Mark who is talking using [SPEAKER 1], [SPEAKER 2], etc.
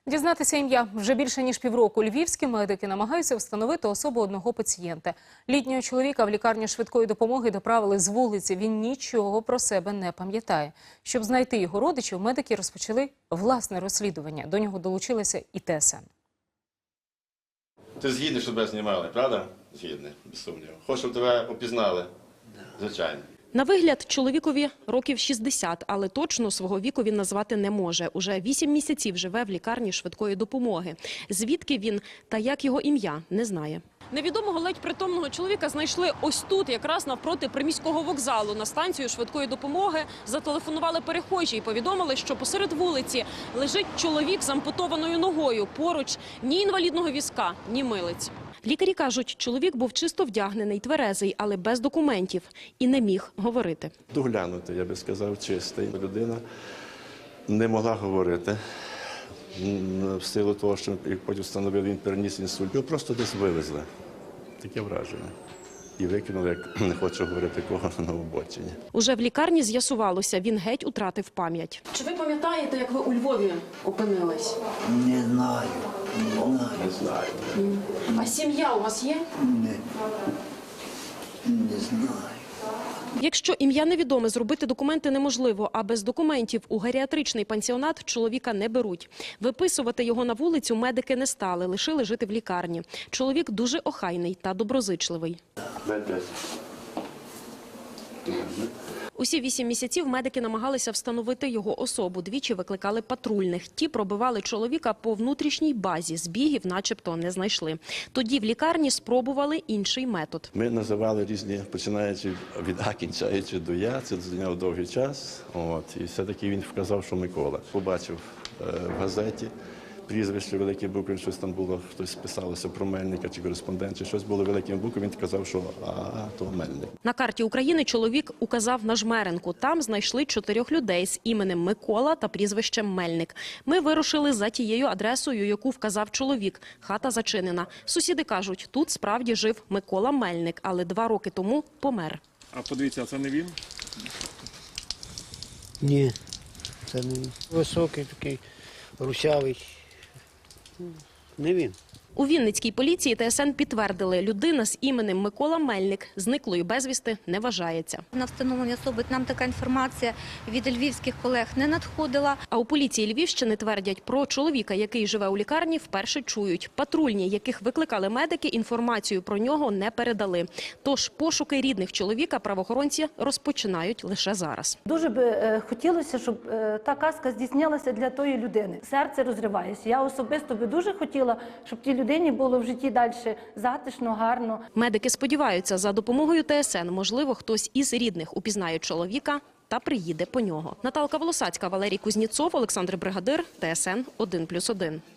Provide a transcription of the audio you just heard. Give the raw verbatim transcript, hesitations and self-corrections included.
[SPEAKER 1] Дізнатися ім'я. Вже більше ніж півроку львівські медики намагаються встановити особу одного пацієнта. Літнього чоловіка в лікарню швидкої допомоги доправили з вулиці. Він нічого про себе не пам'ятає. Щоб знайти його родичів, медики розпочали власне розслідування. До нього долучилася і Те Ес Ен.
[SPEAKER 2] Ти згідний, щоб тебе знімали, правда? Згідний, без сумніву. Хочеш, щоб тебе опізнали? Звичайно.
[SPEAKER 3] На вигляд чоловікові років шістдесят, але точно свого віку він назвати не може. Уже вісім місяців живе в лікарні швидкої допомоги. Звідки він та як його ім'я, не знає. Невідомого ледь притомного чоловіка знайшли ось тут, якраз навпроти приміського вокзалу. На станцію швидкої допомоги зателефонували перехожі і повідомили, що посеред вулиці лежить чоловік з ампутованою ногою. Поруч ні інвалідного візка, ні милиць. Лікарі кажуть, чоловік був чисто вдягнений, тверезий, але без документів і не міг говорити.
[SPEAKER 2] Доглянути, я би сказав, чистий. Людина не могла говорити. В силу того, що як потім встановили, він переніс інсульт. Його просто десь вивезли. Таке враження. І викинули, як не хочу говорити кого, на обочині.
[SPEAKER 3] Уже в лікарні з'ясувалося, він геть утратив пам'ять. Чи ви пам'ятаєте, як ви у Львові опинились?
[SPEAKER 4] Не знаю. Не знаю.
[SPEAKER 2] Не знаю.
[SPEAKER 3] А сім'я у вас є?
[SPEAKER 4] Не, не знаю.
[SPEAKER 3] Якщо ім'я невідоме, зробити документи неможливо, а без документів у геріатричний пансіонат чоловіка не беруть. Виписувати його на вулицю медики не стали, лишили жити в лікарні. Чоловік дуже охайний та доброзичливий. Усі вісім місяців медики намагалися встановити його особу. Двічі викликали патрульних. Ті пробивали чоловіка по внутрішній базі. Збігів начебто не знайшли. Тоді в лікарні спробували інший метод.
[SPEAKER 2] Ми називали різні, починаючи від А, кінчаючи до Я. Це зайняло довгий час. От. І все-таки він вказав, що Микола. Побачив е, в газеті прізвище великі букви, щось там було, хтось писалося про Мельника чи кореспондент, чи щось було великими буквами, він казав, що а, то Мельник.
[SPEAKER 3] На карті України чоловік указав на Жмеренку. Там знайшли чотирьох людей з іменем Микола та прізвищем Мельник. Ми вирушили за тією адресою, яку вказав чоловік. Хата зачинена. Сусіди кажуть, тут справді жив Микола Мельник, але два роки тому помер.
[SPEAKER 5] А подивіться, а це не він?
[SPEAKER 4] Ні, це не він. Високий такий, русявий. Не він.
[SPEAKER 3] У Вінницькій поліції Те Ес Ен підтвердили, людина з іменем Микола Мельник зниклою безвісти не вважається.
[SPEAKER 6] На встановлення особи нам така інформація від львівських колег не надходила.
[SPEAKER 3] А у поліції Львівщини твердять, про чоловіка, який живе у лікарні, вперше чують. Патрульні, яких викликали медики, інформацію про нього не передали. Тож пошуки рідних чоловіка правоохоронці розпочинають лише зараз.
[SPEAKER 7] Дуже би е, хотілося, щоб е, та казка здійснялася для тої людини. Серце розривається. Я особисто би дуже хотіла, щоб ті людині було в житті далі затишно, гарно.
[SPEAKER 3] Медики сподіваються, за допомогою Те Ес Ен, можливо, хтось із рідних упізнає чоловіка та приїде по нього. Наталка Волосацька, Валерій Кузніцов, Олександр Бригадир, Те Ес Ен один плюс один.